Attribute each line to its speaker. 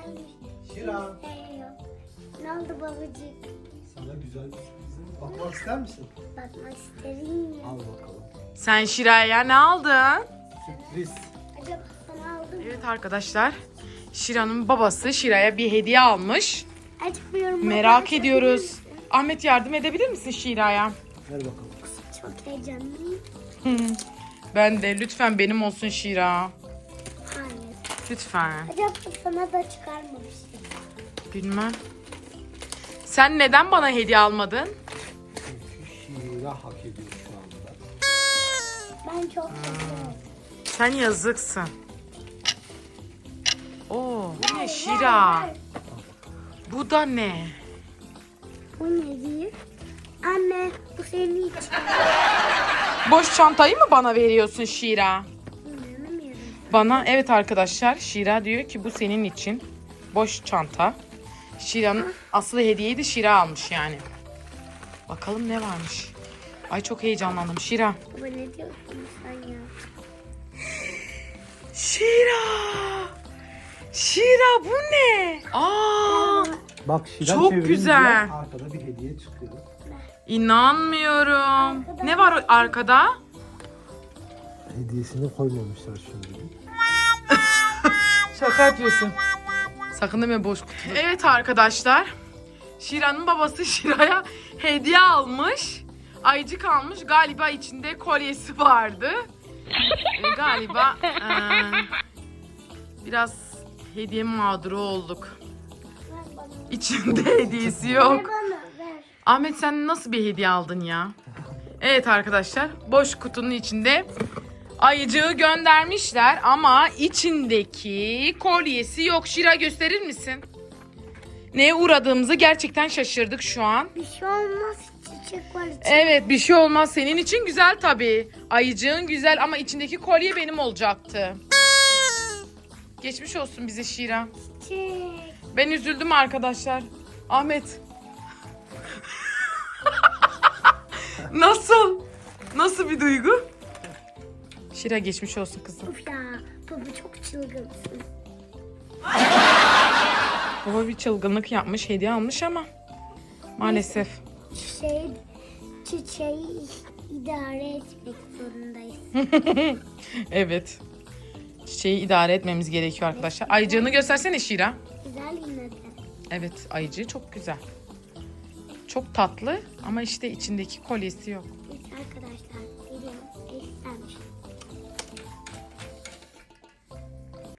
Speaker 1: Şira.
Speaker 2: Ne oldu babacık?
Speaker 1: Sana güzel bir sürprizim. Bakmak ister misin?
Speaker 2: Bakmak isterim ya.
Speaker 1: Al bakalım.
Speaker 3: Sen Şira'ya ne aldın?
Speaker 1: Sürpriz.
Speaker 2: Acaba sana aldım mı?
Speaker 3: Evet arkadaşlar. Şira'nın babası Şira'ya bir hediye almış.
Speaker 2: Açmıyorum.
Speaker 3: Merak ediyoruz. Ahmet yardım edebilir misin Şira'ya?
Speaker 1: Ver bakalım kızım.
Speaker 2: Çok heyecanlıyım.
Speaker 3: Ben de lütfen benim olsun Şira.
Speaker 2: Hayır.
Speaker 3: Lütfen.
Speaker 2: Acaba sana da çıkarmamıştım.
Speaker 3: Bilmem. Sen neden bana hediye almadın?
Speaker 1: Çünkü Şira hak ediyor şu anda.
Speaker 2: Ben çok seviyorum.
Speaker 3: Sen yazıksın. Oo, bu ne Şira? Bu da ne?
Speaker 2: Bu ne diyor? Anne bu senin için.
Speaker 3: Boş çantayı mı bana veriyorsun Şira?
Speaker 2: İnanamıyorum.
Speaker 3: Bana evet arkadaşlar Şira diyor ki bu senin için. Boş çanta. Şira'nın aslı hediyeyi de Şira almış yani. Bakalım ne varmış. Ay çok heyecanlandım Şira.
Speaker 2: Baba ne diyorsun sen ya?
Speaker 3: Şira! Şira bu ne? Aa!
Speaker 1: Bak Şira
Speaker 3: Çok
Speaker 1: çevirince
Speaker 3: güzel.
Speaker 1: arkada bir hediye çıkıyor.
Speaker 3: İnanmıyorum. Ne var arkada?
Speaker 1: Hediyesini koymamışlar şimdi.
Speaker 3: Şaka yapıyorsun. Sakın deme boş kutu. Evet arkadaşlar. Şira'nın babası Şira'ya hediye almış. Ayıcık almış. Galiba içinde kolyesi vardı. Galiba biraz hediye mağduru olduk.
Speaker 2: Ver bana.
Speaker 3: İçinde hediyesi yok.
Speaker 2: Ver bana ver.
Speaker 3: Ahmet sen nasıl bir hediye aldın ya? Evet arkadaşlar boş kutunun içinde ayıcığı göndermişler ama içindeki kolyesi yok. Şira gösterir misin? Neye uğradığımızı gerçekten şaşırdık şu an.
Speaker 2: Bir şey olmaz. Çiçek var içinde.
Speaker 3: Evet bir şey olmaz. Senin için güzel tabii. Ayıcığın güzel ama içindeki kolye benim olacaktı. Geçmiş olsun bize Şira.
Speaker 2: Çiçek.
Speaker 3: Ben üzüldüm arkadaşlar. Ahmet. Nasıl? Nasıl bir duygu? Şira geçmiş olsun kızım.
Speaker 2: Of ya. Baba çok çılgınsın.
Speaker 3: Baba bir çılgınlık yapmış, hediye almış ama maalesef.
Speaker 2: Çiçeği idare etmek zorundayız.
Speaker 3: Evet. Çiçeği idare etmemiz gerekiyor arkadaşlar. Ayıcığını göstersene Şira.
Speaker 2: Güzel yine de.
Speaker 3: Evet, ayıcığı çok güzel. Çok tatlı ama işte içindeki kolyesi yok.